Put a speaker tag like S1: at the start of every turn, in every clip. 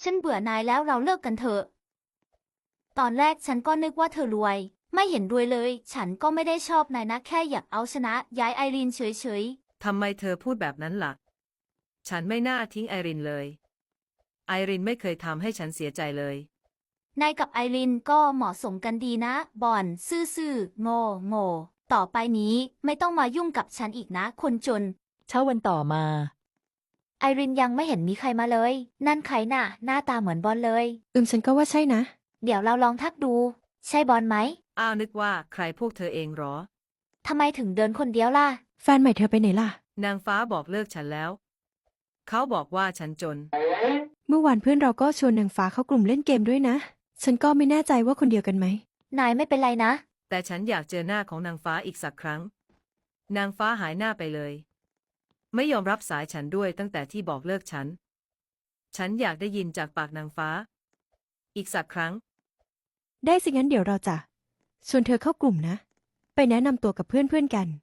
S1: ฉันเบื่อนายแล้วเราเลิกกันเถอะตอนแรกฉันก็นึกว่าเธอรวยไม่เห็นรวยเลยฉันก็ไม่ได้ชอบนายนะแค่อยากเอาชนะย้ายไอรีนเฉย
S2: ทำไมเธอพูดแบบนั้นล่ะฉันไม่น่าทิ้งไอรินเลยไอรินไม่เคยทำให้ฉันเสียใจเลย
S1: ๆนายกับไอรีนก็เหมาะสมกันดีนะบอนซื่อๆโง่ต่อไปนี้ไม่ต้องมายุ่งกับฉันอีกนะคนจน
S3: เช้าวันต่อมา
S1: ไอรินยังไม่เห็นมีใครมาเลยนั่นใครน่ะหน้าตาเหมือนบอลเลย
S4: ฉันก็ว่าใช่นะ
S1: เดี๋ยวเราลองทักดูใช่บอลไหม
S2: อ้าวนึกว่าใครพวกเธอเองหรอ
S1: ทำไมถึงเดินคนเดียวล่ะ
S4: แฟนใหม่เธอไปไหนล่ะ
S2: นางฟ้าบอกเลิกฉันแล้วเขาบอกว่าฉันจน
S4: เมื่อวานเพื่อนเราก็ชวนนางฟ้าเข้ากลุ่มเล่นเกมด้วยนะ ฉันก็ไม่แน่ใจว่าคนเดียวกันไหม
S1: นายไม่เป็นไรนะ
S2: แต่ฉันอยากเจอหน้าของนางฟ้าอีกสักครั้งนางฟ้าหายหน้าไปเลยไม่ยอมรับสายฉันด้วยตั้งแต่ที่บอกเลิกฉันอยากได้ยินจากปากนางฟ้าอีกสักครั้ง
S4: ได้สิงั้นเดี๋ยวเราจะชวนเธอเข้ากลุ่มนะ ไปแนะนำตัวกับเพื่อนกัน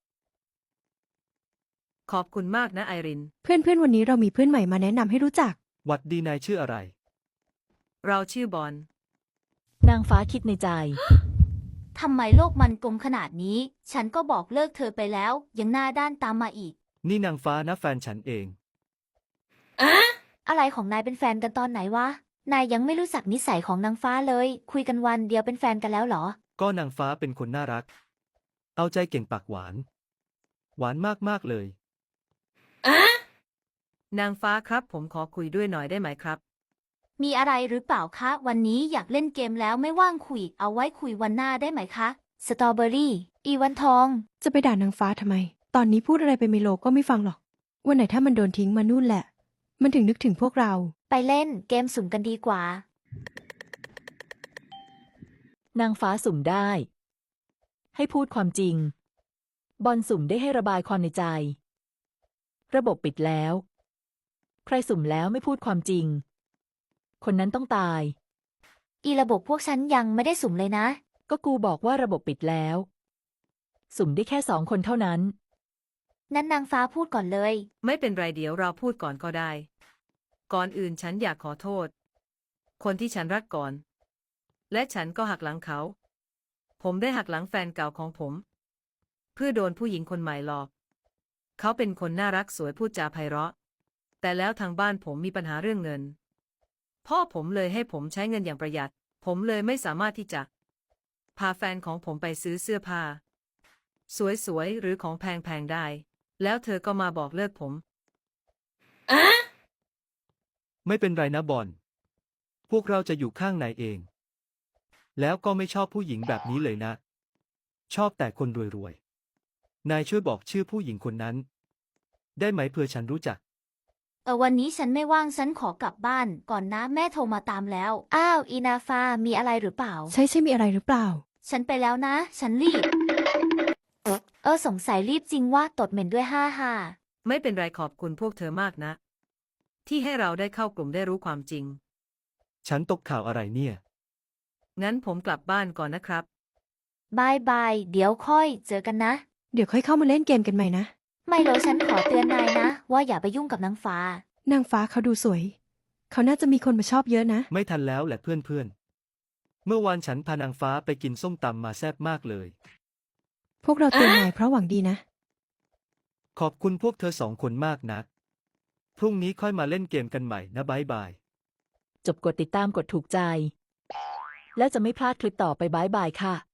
S2: ขอบคุณมากนะไอริน
S4: เพื่อนวันนี้เรามีเพื่อนใหม่มาแนะนำให้รู้จัก
S5: หวัดดีนายชื่ออะไร
S2: เราชื่อบอล
S3: นางฟ้าคิดในใจ
S1: ทำไมโลกมันกลมขนาดนี้ ฉันก็บอกเลิกเธอไปแล้ว ยังหน้าด้านตามมาอีก
S5: นี่นางฟ้านะแฟนฉันเอง
S1: อะไรของนายเป็นแฟนกันตอนไหนวะ นายยังไม่รู้จักนิสัยของนางฟ้าเลย คุยกันวันเดียวเป็นแฟนกันแล้วเหรอ
S5: ก็นางฟ้าเป็นคนน่ารัก เอาใจเก่งปากหวาน หวานมากๆเลย
S2: นางฟ้าครับผมขอคุยด้วยหน่อยได้ไหมครับ
S1: มีอะไรหรือเปล่าคะ วันนี้อยากเล่นเกมแล้วไม่ว่างคุย เอาไว้คุยวันหน้าได้ไหมคะ สตรอเบอรี่ อีวันทอง
S4: จะไปด่านางฟ้าทำไม ตอนนี้พูดอะไรไปเมโลก็ไม่ฟังหรอก วันไหนถ้ามันโดนทิ้งมานู่นแหละ มันถึงนึกถึงพวกเรา
S1: ไปเล่นเกมสุ่มกันดีกว่า
S3: นางฟ้าสุ่มได้ ให้พูดความจริง บอลสุ่มได้ให้ระบายความในใจ ระบบปิดแล้ว ใครสุ่มแล้วไม่พูดความจริง คนนั้นต้องตาย
S1: อีระบบพวกฉันยังไม่ได้สุ่มเลยนะ
S3: ก็กูบอกว่าระบบปิดแล้ว สุ่มได้แค่2 คนเท่านั้น
S1: นั้นนางฟ้าพูดก่อนเลย
S2: ไม่เป็นไรเดี๋ยวเราพูดก่อนก็ได้ ก่อนอื่นฉันอยากขอโทษ คนที่ฉันรักก่อน และฉันก็หักหลังเขา ผมได้หักหลังแฟนเก่าของผม เพื่อโดนผู้หญิงคนใหม่หลอก เขาเป็นคนน่ารักสวยพูดจาไพเราะ แต่แล้วทางบ้านผมมีปัญหาเรื่องเงิน พ่อผมเลยให้ผมใช้เงินอย่างประหยัด ผมเลยไม่สามารถที่จะพาแฟนของผมไปซื้อเสื้อผ้าสวยๆหรือของแพงๆได้ แล้วเธอก็มาบอกเลิกผม
S5: ไม่เป็นไรนะบอล พวกเราจะอยู่ข้างนายเอง แล้วก็ไม่ชอบผู้หญิงแบบนี้เลยนะ ชอบแต่คนรวยๆ นายช่วยบอกชื่อผู้หญิงคนนั้น ได้ไหมเผื่อฉันรู้จัก
S1: วันนี้ฉันไม่ว่างฉันขอกลับบ้านก่อนนะแม่โทรมาตามแล้ว อ้าวอีนาฟามีอะไรหรือเปล่า
S4: ใช่มีอะไรหรือเปล่า
S1: ฉันไปแล้วนะ ฉันรีบ สงสัยรีบจริงว่าตดเหม็นด้วยฮ่า
S2: ไม่เป็นไรขอบคุณพวกเธอมากนะ ที่ให้เราได้เข้ากลุ่มได้รู้ความจริง
S5: ฉันตกข่าวอะไรเนี่ย
S2: งั้นผมกลับบ้านก่อนนะครับ
S1: บายบายเดี๋ยวค่อยเจอกันนะ
S4: เดี๋ยวค่อยเข้ามาเล่นเกมกันใหม่นะ
S1: ไม่รู้ฉันขอเตือนนายนะ ว่าอย่าไปยุ่งกับนางฟ้า
S4: นางฟ้าเขาดูสวย เขาน่าจะมีคนมาชอบเยอะนะ
S5: ไม่ทันแล้วแหละเพื่อนๆ เมื่อวานฉันพานางฟ้าไปกินส้มตำมาแซ่บมากเลย
S4: พวกเราเตือนนายเพราะหวังดีนะ
S5: ขอบคุณพวกเธอ2 คนมากนะ พรุ่งนี้ค่อยมาเล่นเกมกันใหม่นะบ๊ายบาย
S3: จบกดติดตามกดถูกใจ แล้วจะไม่พลาดคลิปต่อไปบ๊ายบายค่ะ